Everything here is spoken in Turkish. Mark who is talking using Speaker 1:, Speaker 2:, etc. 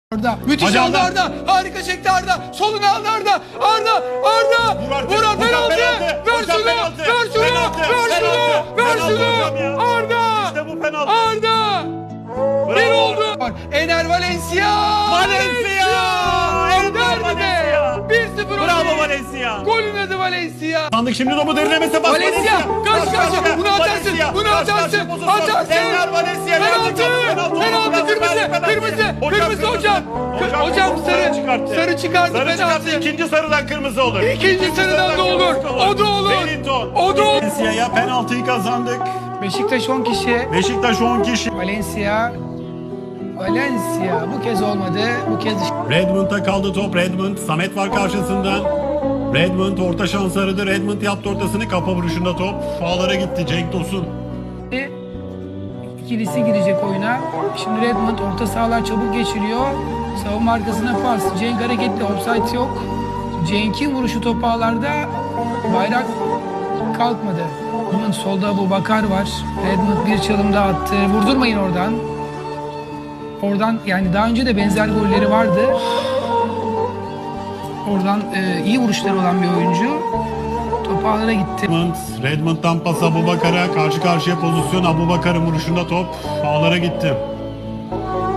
Speaker 1: Arda. Müthiş aldı Arda. Harika çekti Arda. Soluna aldı Arda. Arda. Vur penaltı. Ver şunu. Arda.
Speaker 2: İşte bu penaltı.
Speaker 1: Arda. Bir oldu. Ener Valencia.
Speaker 2: Ender Valencia.
Speaker 1: 1-0
Speaker 2: Bravo Valencia.
Speaker 1: Golün adı Valencia.
Speaker 2: Sandık şimdi topu derinlemesine bas.
Speaker 1: Valencia. Karşı karşıya. Bunu atarsın.
Speaker 2: Ender Valencia.
Speaker 1: Penaltı. Kırmızı hocam. Hocam sarı çıkardı penaltı.
Speaker 2: İkinci sarıdan kırmızı olur.
Speaker 1: İkinci sarıdan da olur. O da olur. O da olur.
Speaker 2: Valencia'ya penaltıyı kazandık.
Speaker 1: Beşiktaş 10 kişi.
Speaker 2: Beşiktaş 10 kişi.
Speaker 1: Valencia bu kez olmadı. Bu kez
Speaker 2: Redmond'a kaldı top. Redmond. Samet var karşısında. Redmond orta şans aradı. Redmond yaptı ortasını. Kafa vuruşunda top. Ağlara gitti Cenk Tosun.
Speaker 1: ikilisi girecek oyuna. Şimdi Redmond orta sahalar çabuk geçiriyor. Savunma arkasına pas. Cenk hareketli. Offside yok. Cenk'in vuruşu top ağlarda. Bayrak kalkmadı. Bunun solda Abubakar var. Redmond bir çalım daha attı. Vurdurmayın oradan. Oradan yani daha önce de benzer golleri vardı. Oradan iyi vuruşları olan bir oyuncu. Top ağlara gitti.
Speaker 2: Redmond'dan pas Abubakar'a. Karşı karşıya pozisyon. Abubakar'ın vuruşunda top ağlara gitti.